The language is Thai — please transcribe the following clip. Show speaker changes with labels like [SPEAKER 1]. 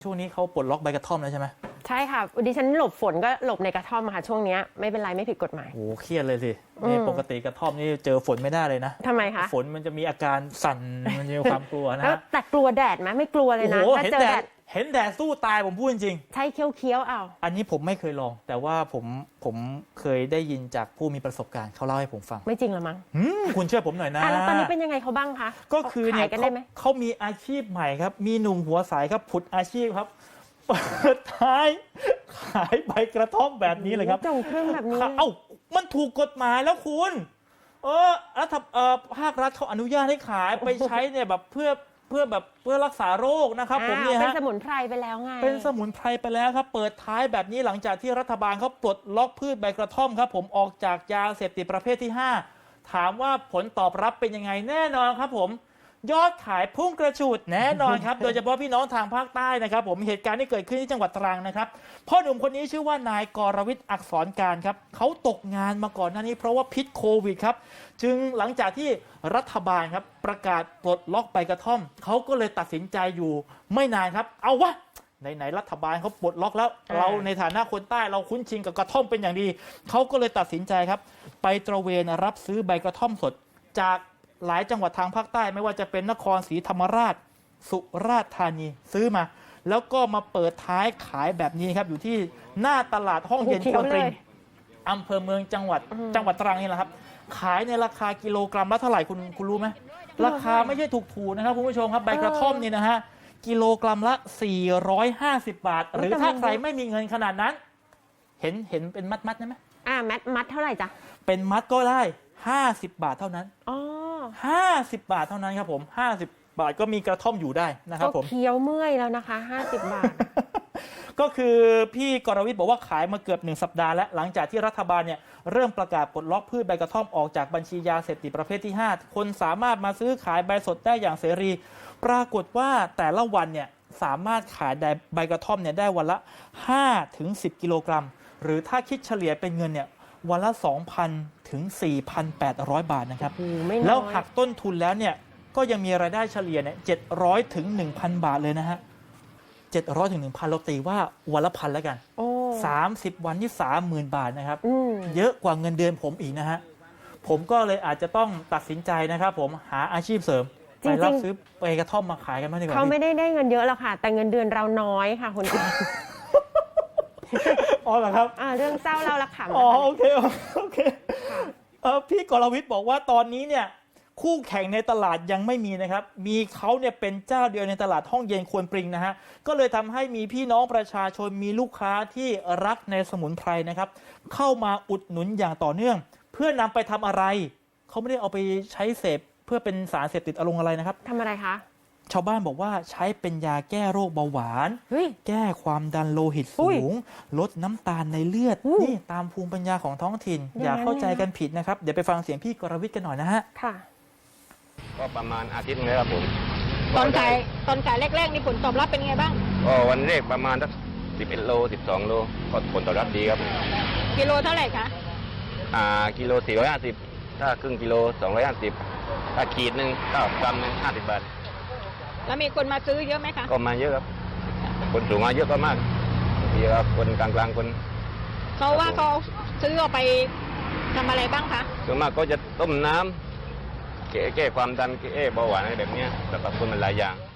[SPEAKER 1] ช่วงนี้เขาปลดล็อกใบกระท่อมแล้วใช่ไหม
[SPEAKER 2] ใช่ค่ะดิฉันหลบฝนก็หลบในกระท่อมค่ะช่วงนี้ไม่เป็นไรไม่ผิดกฎหมาย
[SPEAKER 1] โอ้เครียดเลยสินี่ปกติกระท่อมนี่เจอฝนไม่ได้เลยนะ
[SPEAKER 2] ทำไมคะ
[SPEAKER 1] ฝนมันจะมีอาการสั่นมันจะมีความกลัวนะฮะ
[SPEAKER 2] แต่กลัวแดดไหมไม่กลัวเลยนะถ้าเจอแดด
[SPEAKER 1] เห็นแดดสู้ตายผมพูดจริง
[SPEAKER 2] ใช่เคี้ยวเอา
[SPEAKER 1] อันนี้ผมไม่เคยลองแต่ว่าผมเคยได้ยินจากผู้มีประสบการณ์เขาเล่าให้ผมฟัง
[SPEAKER 2] ไม่จริงหรอมั้ง
[SPEAKER 1] คุณเชื่อผมหน่อยนะ
[SPEAKER 2] แล้วตอนนี้เป็นยังไงเขาบ้างคะ
[SPEAKER 1] ก็คือเนี่ยเขามีอาชีพใหม่ครับมีหนุ่มหัวใสครับผุดอาชีพครับเปิดท้ายขายใบกระท่อมแบบนี้เลยครับ
[SPEAKER 2] จงเครื่องแบบนี้
[SPEAKER 1] มันถูกกฎหมายแล้วคุณภาครัฐเขาอนุญาตให้ขายไปใช้เนี่ยแบบเพื่อรักษาโรคนะครับผมเนี่ย
[SPEAKER 2] เป็นสมุนไพรไปแล้วไง
[SPEAKER 1] เป็นสมุนไพรไปแล้วครับเปิดท้ายแบบนี้หลังจากที่รัฐบาลเขาปลดล็อกพืชใบกระท่อมครับผมออกจากยาเสพติดประเภทที่5ถามว่าผลตอบรับเป็นยังไงแน่นอนครับผมยอดขายพุ่งกระฉูดแน่นอนครับ โดยเฉพาะพี่น้องทางภาคใต้นะครับผมเหตุการณ์ที่เกิดขึ้นที่จังหวัดตรังนะครับพ่อหนุ่มคนนี้ชื่อว่านายกรวิทย์อักษรการครับเขาตกงานมาก่อนหน้านี้เพราะว่าพิษโควิดครับจึงหลังจากที่รัฐบาลครับประกาศปลดล็อกใบกระท่อมเขาก็เลยตัดสินใจอยู่ไม่นานครับเอาวะไหนรัฐบาลเขาปลดล็อกแล้วเราในฐานะคนใต้เราคุ้นชินกับกระท่อมเป็นอย่างดีเขาก็เลยตัดสินใจครับไปตระเวนรับซื้อใบกระท่อมสดจากหลายจังหวัดทางภาคใต้ไม่ว่าจะเป็นนครศรีธรรมราชสุราษฎร์ธานีซื้อมาแล้วก็มาเปิดท้ายขายแบบนี้ครับอยู่ที่หน้าตลาดห้องเย็นควนปริงอำเภอเมืองจังหวัดตรังนี่แหละครับขายในราคากิโลกรัมละเท่าไหร่คุณรู้ไหมราคาไม่ใช่ถูกๆนะครับคุณผู้ชมครับใบกระท่อมนี่นะฮะกิโลกรัมละ450 บาทหรือถ้าใครไม่มีเงินขนาดนั้นเห็นเป็นมัดได้ไหม
[SPEAKER 2] มัดเท่าไหร่จ๊ะ
[SPEAKER 1] เป็นมัดก็ได้50 บาทเท่านั้น50 บาทเท่านั้นครับผม50 บาทก็มีกระท่อมอยู่ได้นะครับผม
[SPEAKER 2] เคี้ยวเมื่อยแล้วนะคะ50 บาท
[SPEAKER 1] ก็คือพี่กรวิทย์บอกว่าขายมาเกือบ1 สัปดาห์แล้วหลังจากที่รัฐบาลเนี่ยเริ่มประกาศปลดล็อกพืชใบกระท่อมออกจากบัญชียาเสพติดประเภทที่5คนสามารถมาซื้อขายใบสดได้อย่างเสรีปรากฏว่าแต่ละวันเนี่ยสามารถขายใบกระท่อมเนี่ยได้วันละ5-10 กิโลกรัมหรือถ้าคิดเฉลี่ยเป็นเงินเนี่ยวันละ 2,000 ถึง 4,800 บาทนะครับแล้วหักต้นทุนแล้วเนี่ยก็ยังมีรายได้เฉลี่ยเนี่ย700 ถึง 1,000 บาทเลยนะฮะ700 ถึง 1,000เราตีว่าวันละพันแล้วกัน30 วันนี่ 30,000 บาทนะครับเยอะกว่าเงินเดือนผมอีกนะฮะผมก็เลยอาจจะต้องตัดสินใจนะครับผมหาอาชีพเสริมไปรับซื้อใบกระท่อมมาขายกันมากดีกว่า
[SPEAKER 2] เขาไม่ได้เงินเยอะหรอกค่ะแต่เงินเดือนเราน้อยค่ะคุณ
[SPEAKER 1] อ๋อเหรอครับ
[SPEAKER 2] เรื่องเศร้าเราละขำ
[SPEAKER 1] อ๋อโอเคพี่กรวิทย์บอกว่าตอนนี้เนี่ยคู่แข่งในตลาดยังไม่มีนะครับมีเขาเนี่ยเป็นเจ้าเดียวในตลาดห้องเย็นควนปริงนะฮะก็เลยทำให้มีพี่น้องประชาชนมีลูกค้าที่รักในสมุนไพรนะครับเข้ามาอุดหนุนอย่างต่อเนื่องเพื่อนำไปทำอะไรเขาไม่ได้เอาไปใช้เสพเพื่อเป็นสารเสพติดอารมณ์อะไรนะครับ
[SPEAKER 2] ทำอะไรคะ
[SPEAKER 1] ชาวบ้านบอกว่าใช้เป็นยาแก้โรคเบาหวานแก้ความดันโลหิตสูงลดน้ำตาลในเลือดนี่ตามภูมิปัญญาของท้องถิ่นอย่าเข้าใจกันผิดนะครับเดี๋ยวไปฟังเสียงพี่กรวิทย์กันหน่อยนะฮะ
[SPEAKER 2] ค่ะ
[SPEAKER 3] ก็ประมาณอาทิตย์นึงแล้วครับผม
[SPEAKER 4] ตอนขายแรกๆนี่ผลตอบรับเป็นไงบ้าง
[SPEAKER 3] ก็วันแรกประมาณสัก11 โล 12 โลก็ผลตอบรับดีครับ
[SPEAKER 4] กิโลเท่าไหร่คะ
[SPEAKER 3] กิโล450ถ้าครึ่งกิโล250ถ้าขีดหนึ่งก็กรัมนึง50 บาท
[SPEAKER 4] แล้วมีคนมาซื้อเยอะไหมคะ
[SPEAKER 3] ก็มาเยอะครับคนสูงมาเยอะก็มากทีละคนกลางๆคน
[SPEAKER 4] เขาว่าเขาซื้อเอาไปทำอะไรบ้างคะ
[SPEAKER 3] ส่วนมากก็จะต้มน้ำแก้ความดันแก้เบาหวานอะไรแบบนี้แต่บางคนมันหลายอย่าง